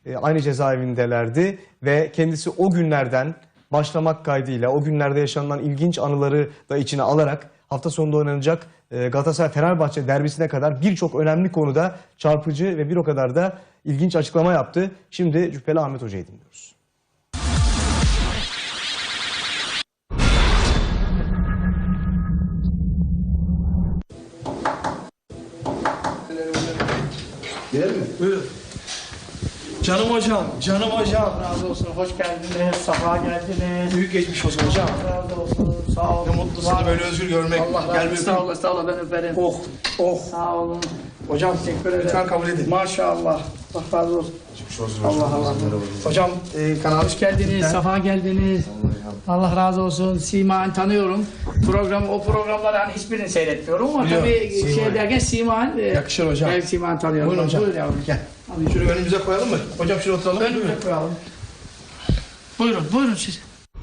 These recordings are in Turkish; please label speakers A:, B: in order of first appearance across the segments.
A: aynı cezaevindelerdi ve kendisi o günlerden başlamak kaydıyla o günlerde yaşanılan ilginç anıları da içine alarak hafta sonunda oynanacak Galatasaray-Fenerbahçe derbisine kadar birçok önemli konuda çarpıcı ve bir o kadar da ilginç açıklama yaptı. Şimdi Cübbeli Ahmet Hoca'yı dinliyoruz.
B: Girelim mi?
C: Buyurun. Canım hocam, canım hocam.
D: Razı olsun, hoş geldiniz, safa geldiniz.
C: Büyük geçmiş olsun hocam.
D: Razı olsun, sağ olun.
C: Ne mutlu seni böyle özgür görmek.
D: Allah
C: Gel
D: razı
C: bir
D: olsun, sağ olun, sağ olun, ben öperim.
C: Oh, oh.
D: Sağ olun.
C: Hocam
D: Teşekkür ederim.
C: lütfen kabul edin.
D: Maşallah, Allah razı olsun. Allah Allah.
C: Hocam kanal
D: Hoş geldiniz, safa geldiniz. Allah razı olsun. Sima'yı tanıyorum. O programları hani hiçbirini seyretmiyorum ama
C: Biliyorum,
D: tabii şey derken Sima'yı
C: yakışır hocam.
D: Ben Sima'yı tanıyorum.
C: Buyurun hocam.
D: Buyur yavrum.
C: Gel. Şunu önümüze koyalım mı? Hocam şuraya oturalım.
D: Önümüze koyalım. Buyurun, buyurun siz.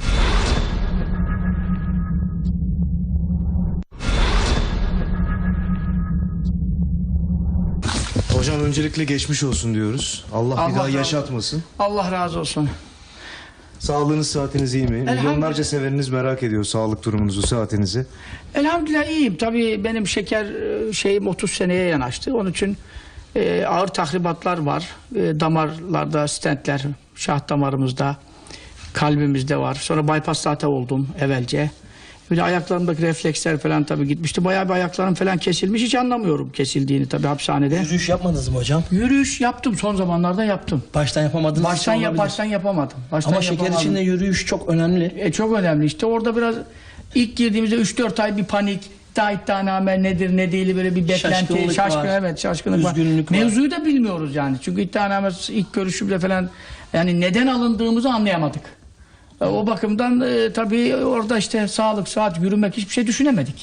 A: Hocam öncelikle geçmiş olsun diyoruz. Allah bir
D: Allah
A: daha
D: razı
A: yaşatmasın.
D: Allah razı olsun.
A: Sağlığınız, saatiniz iyi mi? Milyonlarca severiniz merak ediyor sağlık durumunuzu, saatinizi.
D: Elhamdülillah iyiyim. Tabii benim şeker şeyim 30 seneye yanaştı. Onun için ağır tahribatlar var. Damarlarda stentler, şah damarımızda, kalbimizde var. Sonra bypass zaten oldum evvelce. Bir de ayaklarımdaki refleksler falan tabii gitmişti. Bayağı bir ayaklarım falan kesilmiş. Hiç anlamıyorum kesildiğini tabii hapishanede.
E: Yürüyüş yapmadınız mı hocam?
D: Yürüyüş yaptım, son zamanlarda yaptım.
E: Baştan yapamadınız.
D: Baştan yapamadım.
E: Ama şeker için de yürüyüş çok önemli.
D: Çok önemli. İşte orada biraz ilk girdiğimizde 3-4 ay bir panik, iddianame nedir ne değil böyle bir beklenti, şaşkınlık var.
E: Üzgünlük var.
D: Mevzuyu da bilmiyoruz yani. Çünkü iddianame ilk görüşümde falan yani neden alındığımızı anlayamadık. O bakımdan tabii orada işte sağlık, saat, yürümek hiçbir şey düşünemedik.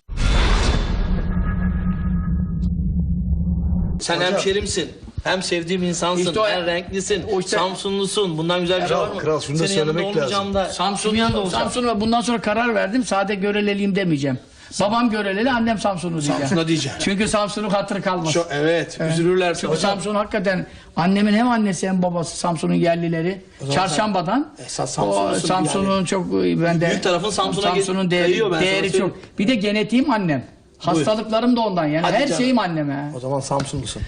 E: Sen hemşerimsin. Hem sevdiğim insansın,
D: İşte o-
E: hem renklisin,
D: o işte-
E: Samsunlusun. Bundan güzel bir şey var mı?
A: kral, şunu da
E: Senin yanında
A: söylemek
E: olmayacağım da kimin yanında olacağım?
D: Samsun'a bundan sonra karar verdim. Sade Göreleliyim demeyeceğim. Babam Göreleli, annem Samsunlu diyeceğim.
E: Samsun'a diyeceğim.
D: Çünkü Samsun'un hatırı kalmaz.
C: Evet, üzülürler.
D: Çünkü Samsun hakikaten annemin hem annesi hem babası Samsun'un yerlileri. Çarşamba'dan.
E: Esas Samsunlusun
D: Samsun'un
E: yani.
D: çok bende.
E: Büyük tarafın Samsun'a
D: Samsun'un
E: kayıyor, ben sana
D: değeri
E: söyleyeyim.
D: çok. Bir de genetiğim annem. Hastalıklarım da ondan yani.
E: Hadi
D: Her
E: canım.
D: şeyim anneme.
E: O zaman Samsunlusun.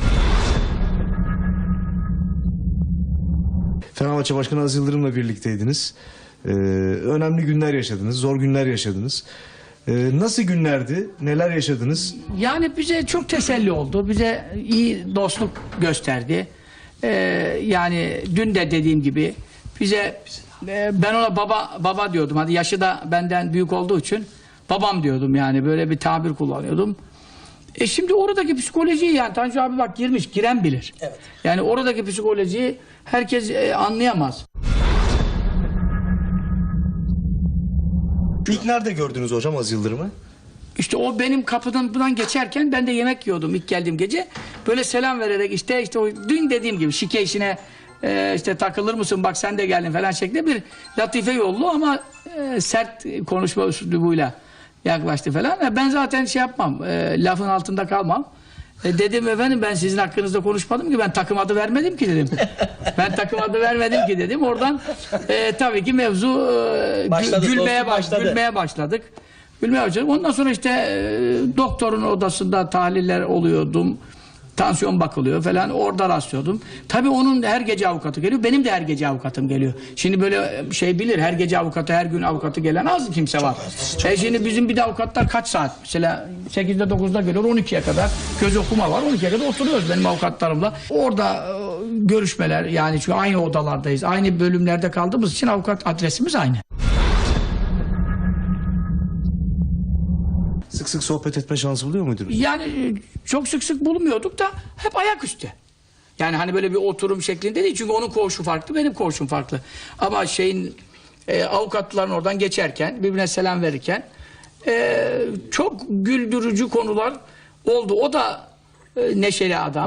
A: Fenerbahçe Başkanı Aziz Yıldırım'la birlikteydiniz. Önemli günler yaşadınız, zor günler yaşadınız. Nasıl günlerdi, neler yaşadınız?
D: Yani bize çok teselli oldu. Bize iyi dostluk gösterdi. Yani dün de dediğim gibi bize ben ona baba diyordum. Hadi yaşı da benden büyük olduğu için babam diyordum yani böyle bir tabir kullanıyordum. Şimdi oradaki psikolojiyi yani Tanju abi bak giren bilir.
E: Evet.
D: Yani oradaki psikolojiyi herkes anlayamaz.
A: İlk nerede gördünüz hocam Aziz Yıldırım'ı?
D: İşte o benim kapıdan geçerken ben de yemek yiyordum ilk geldiğim gece. Böyle selam vererek işte o dün dediğim gibi şike işine işte takılır mısın bak sen de geldin falan şeklinde bir latife yollu ama sert konuşma üslubuyla yaklaştı falan. Ben zaten şey yapmam, lafın altında kalmam. Dedim efendim ben sizin hakkınızda konuşmadım ki ben takım adı vermedim ki dedim. Ben takım adı vermedim ki dedim. Oradan tabii ki mevzu gülmeye başladık. Gülmeye başladık. Ondan sonra işte doktorun odasında tahliller oluyordum. Tansiyon bakılıyor falan orada rastlıyordum. Tabii onun her gece avukatı geliyor. Benim de her gece avukatım geliyor. Şimdi böyle şey bilir her gece avukatı her gün avukatı gelen az kimse var. Şimdi bizim bir de avukatlar kaç saat? Mesela 8'de 9'da geliyor 12'ye kadar göz okuma var. 12'ye kadar oturuyoruz benim avukatlarımla. Orada görüşmeler yani çünkü aynı odalardayız. Aynı bölümlerde kaldığımız için avukat adresimiz aynı.
A: Sık sık sohbet etme şansı buluyor muydunuz?
D: Yani çok sık sık bulmuyorduk da hep ayaküstü. Yani hani böyle bir oturum şeklinde değil. Çünkü onun koğuşu farklı, benim koğuşum farklı. Ama avukatların oradan geçerken, birbirine selam verirken çok güldürücü konular oldu. O da neşeli adam.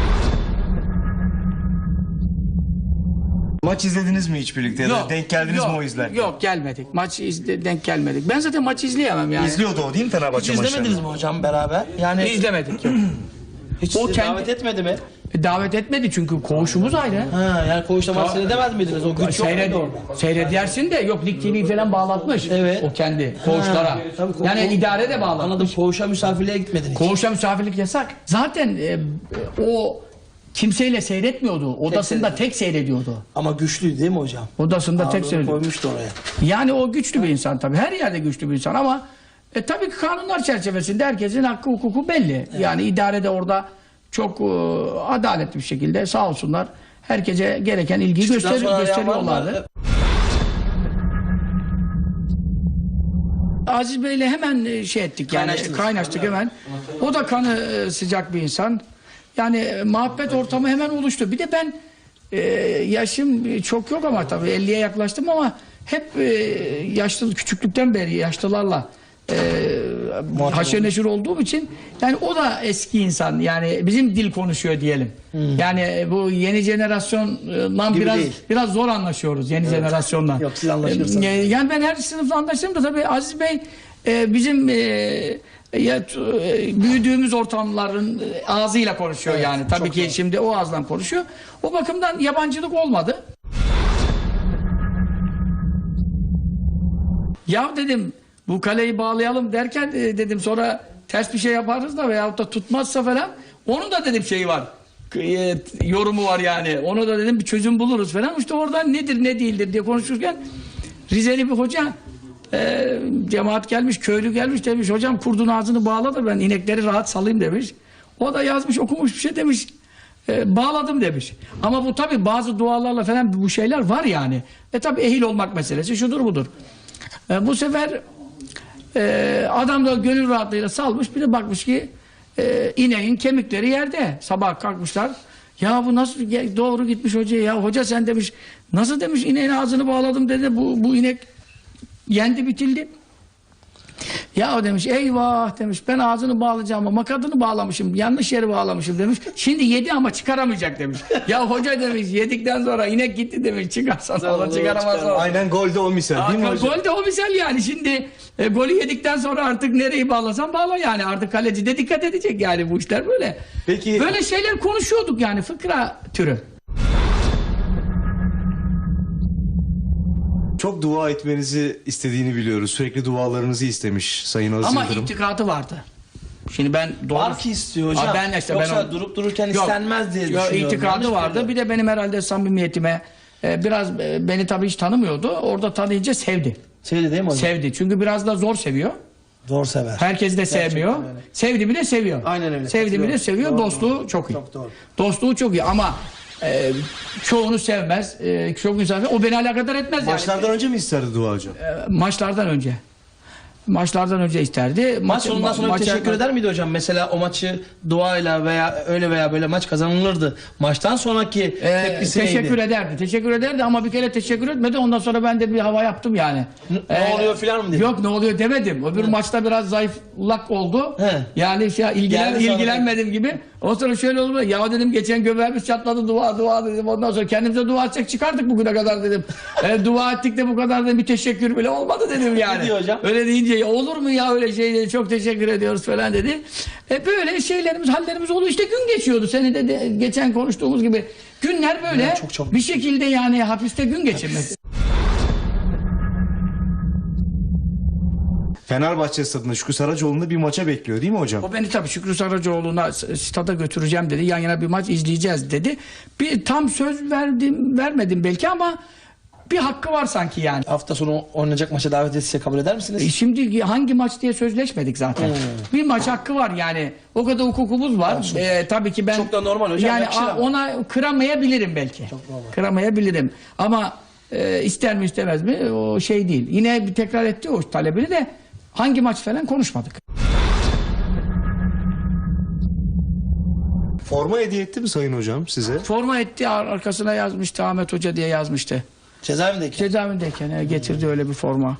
A: Maç izlediniz mi hiç birlikte? Ya da denk geldiniz mi o izlerken?
D: Yok gelmedik. Denk gelmedik. Ben zaten maçı izleyemem yani.
A: İzliyordu o değil mi Fenerbahçe
E: Hiç
A: maçlarını?
E: izlemediniz mi hocam beraber? Yani
D: İzlemedik. Yok.
E: hiç
D: O
E: sizi
D: kendi-
E: davet etmedi mi?
D: Davet etmedi çünkü koğuşumuz ayrı.
E: Ha, yani koğuşta maç seyredemez miydiniz? O güç yok muydu orada?
D: Seyredersin de yok Lig TV falan bağlatmış.
E: Evet.
D: O kendi koğuşlara.
E: tabii,
D: Yani idare de bağlatmış.
E: Anladım, koğuşa misafirliğe gitmedin hiç.
D: Koğuşa misafirlik yasak. Zaten o kimseyle seyretmiyordu. Odasında tek seyrediyordu.
E: Ama güçlüydü değil mi hocam?
D: Odasında tek
E: Ağırlığını
D: seyrediyordu.
E: koymuştu oraya.
D: Yani o güçlü bir insan tabii. Her yerde güçlü bir insan ama tabii ki kanunlar çerçevesinde herkesin hakkı hukuku belli. Yani idare de orada çok adaletli bir şekilde sağ olsunlar herkese gereken ilgiyi
E: Çıktıktan sonra arayan var mı?
D: gösteriyorlardı. Aziz Bey'le hemen şey ettik yani kaynaştık hemen. O da kanı sıcak bir insan. Yani muhabbet ortamı hemen oluştu. Bir de ben yaşım çok yok ama tabii 50'ye yaklaştım ama hep yaşlı küçüklükten beri yaşlılarla haşır neşir olduğum için yani o da eski insan yani bizim dil konuşuyor diyelim. Yani bu yeni jenerasyonla
E: Gibi değil.
D: biraz zor anlaşıyoruz yeni jenerasyonla.
E: Yok, siz anlaşırsınız.
D: Yani ben her sınıfla anlaştım da tabii Aziz Bey bizim büyüdüğümüz ortamların ağzıyla konuşuyor yani. Tabii ki şimdi o ağızdan konuşuyor. O bakımdan yabancılık olmadı. Ya dedim bu kaleyi bağlayalım derken dedim sonra ters bir şey yaparız da veyahut da tutmazsa falan onun da dedim şeyi var. Yorumu var yani. Onu da dedim bir çözüm buluruz falan. İşte oradan nedir ne değildir diye konuşurken Rizeli bir hoca cemaat gelmiş, köylü gelmiş demiş hocam kurdun ağzını bağla da ben inekleri rahat salayım demiş. O da yazmış okumuş bir şey demiş. Bağladım demiş. Ama bu tabi bazı dualarla falan bu şeyler var yani. Tabi ehil olmak meselesi şudur budur. Bu sefer adam da gönül rahatlığıyla salmış bir de bakmış ki ineğin kemikleri yerde. Sabah kalkmışlar. Ya bu nasıl doğru gitmiş hocaya ya. Hoca sen demiş nasıl demiş ineğin ağzını bağladım dedi. Bu inek yendi bitildi. Ya o demiş eyvah demiş ben ağzını bağlayacağım ama makadını bağlamışım yanlış yere bağlamışım demiş. Şimdi yedi ama çıkaramayacak demiş. Ya hoca demiş yedikten sonra inek gitti demiş çıkarsan sonra çıkaramazsan.
A: Aynen golde o misal değil mi hocam?
D: Gol de o misal yani şimdi golü yedikten sonra artık nereyi bağlasan bağla yani artık kaleci de dikkat edecek yani bu işler böyle.
A: Peki
D: Böyle şeyler konuşuyorduk yani fıkra türü.
A: çok dua etmenizi istediğini biliyoruz. Sürekli dualarınızı istemiş Sayın Aziz
D: Ama
A: Yıldırım.
D: itikatı vardı. Şimdi ben doğru...
E: Var ki istiyor hocam. Yoksa durup dururken istenmez diye düşünüyorum.
D: İtikadı vardı. Bir de benim herhalde samimiyetime biraz beni tabii hiç tanımıyordu. Orada tanıyınca sevdi.
E: Sevdi değil mi hocam?
D: Sevdi. Çünkü biraz da zor seviyor.
E: Zor sever.
D: Herkes de sevmiyor.
E: öyle.
D: Sevdi mi de seviyor.
E: Aynen öyle.
D: Sevdi mi de
E: Doğru.
D: seviyor.
E: Doğru.
D: Dostluğu çok iyi.
E: Çok doğru.
D: Dostluğu çok iyi ama çoğunu sevmez. Çok insan o beni alakadar etmez
A: Maçlardan önce mi isterdi dua hocam?
D: Maçlardan önce. Maçlardan önce isterdi.
E: Maç sonundan sonra bir teşekkür eder miydi hocam? Mesela o maçı duayla veya öyle veya böyle maç kazanılırdı. Maçtan sonraki tepkisi
D: teşekkür
E: neydi?
D: ederdi. Teşekkür ederdi ama bir kere teşekkür etmedi. Ondan sonra ben de bir hava yaptım yani.
E: Ne oluyor filan mı dedi?
D: Yok ne oluyor demedim. Öbür maçta biraz zayıflak oldu.
E: He.
D: Yani
E: Geldi sonra
D: ilgilenmedim gibi. O sonra şöyle oldu. Ya dedim geçen göbeğimiz çatladı dua dedim. Ondan sonra kendimize dua edecek çıkardık bugüne kadar dedim. Dua ettik de bu kadar da bir teşekkür bile olmadı dedim yani.
E: Ne diyor hocam?
D: Öyle deyince ya olur mu ya öyle şey dedi. Çok teşekkür ediyoruz falan dedi. Böyle şeylerimiz hallerimiz oldu. İşte gün geçiyordu. Seni de geçen konuştuğumuz gibi. Günler böyle
E: Ya çok
D: bir şekilde yani hapiste gün geçirmek.
A: Fenerbahçe stadında Şükrü Saracoğlu'nda bir maça bekliyor değil mi hocam?
D: O beni tabii Şükrü Saracoğlu'na stada götüreceğim dedi. Yan yana bir maç izleyeceğiz dedi. Bir tam söz vermedim belki ama bir hakkı var sanki yani.
E: Hafta sonu oynayacak maça davet etse kabul eder misiniz?
D: Şimdi hangi maç diye sözleşmedik zaten. Bir maç hakkı var yani. O kadar hukukumuz var. Tabii ki ben
E: Çok da normal hocam,
D: yani
E: yakışır ama.
D: ona kıramayabilirim belki. Kıramayabilirim. Ama ister mi istemez mi o şey değil. Yine bir tekrar etti o talebini de hangi maç falan konuşmadık.
A: Forma hediye etti mi Sayın Hocam size?
D: Forma etti arkasına yazmıştı Ahmet Hoca diye yazmıştı.
E: Cezaevindeyken.
D: Cezaevindeyken getirdi öyle bir forma.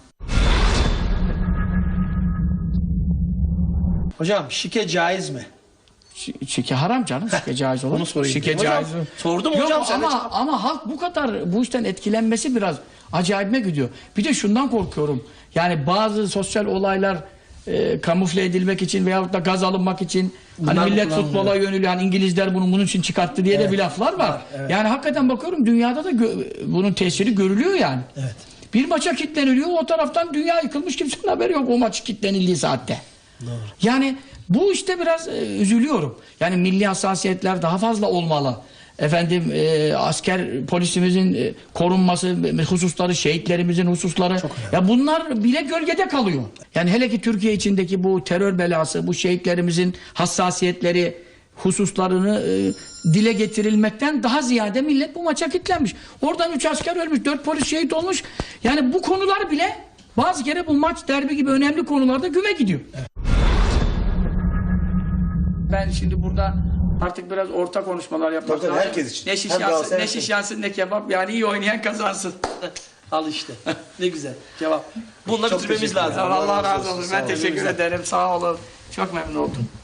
E: Hocam şike caiz mi?
D: Şike haram canım. Şike caiz olur.
E: Onu sorayım.
D: Şike
E: Hocam,
D: caiz.
E: sordum
D: Yok,
E: hocam. Sen de
D: ama halk bu kadar bu işten etkilenmesi biraz acayipme gidiyor. Bir de şundan korkuyorum. Yani bazı sosyal olaylar kamufle edilmek için veyahut da gaz alınmak için
E: Bunlar
D: hani millet
E: kullanılıyor.
D: futbola yöneliyor. Hani İngilizler bunun için çıkarttı diye de bir laflar var. Yani hakikaten bakıyorum dünyada da bunun tesiri görülüyor yani.
E: Evet.
D: Bir maça kitleniliyor, o taraftan dünya yıkılmış, kimsenin haberi yok o maç kitlenildiği saatte.
E: Doğru.
D: Yani bu işte biraz üzülüyorum. Yani milli hassasiyetler daha fazla olmalı. Efendim asker polisimizin korunması hususları, şehitlerimizin hususları. Ya bunlar bile gölgede kalıyor. Yani hele ki Türkiye içindeki bu terör belası, bu şehitlerimizin hassasiyetleri hususlarını dile getirilmekten daha ziyade millet bu maça kilitlenmiş. Oradan 3 asker ölmüş, 4 polis şehit olmuş. Yani bu konular bile bazı kere bu maç, derbi gibi önemli konularda güme gidiyor. Evet. Ben şimdi burada artık biraz orta konuşmalar yapmak
A: Tabii,
D: lazım.
A: herkes için.
D: Ne şiş
A: Hem
D: yansın,
A: Galatasaray
D: ne şiş yansın, ne kebap. Yani iyi oynayan kazansın.
E: Al işte. Ne güzel. Cevap. Bununla
A: Çok
E: bitirmemiz
A: teşekkür
E: lazım.
A: ederim.
D: Allah
A: Allah razı
D: razı
A: olsun.
D: olsun.
A: Sağ
D: Ben
A: olun.
D: teşekkür ederim. Sağ olun. Çok memnun oldum.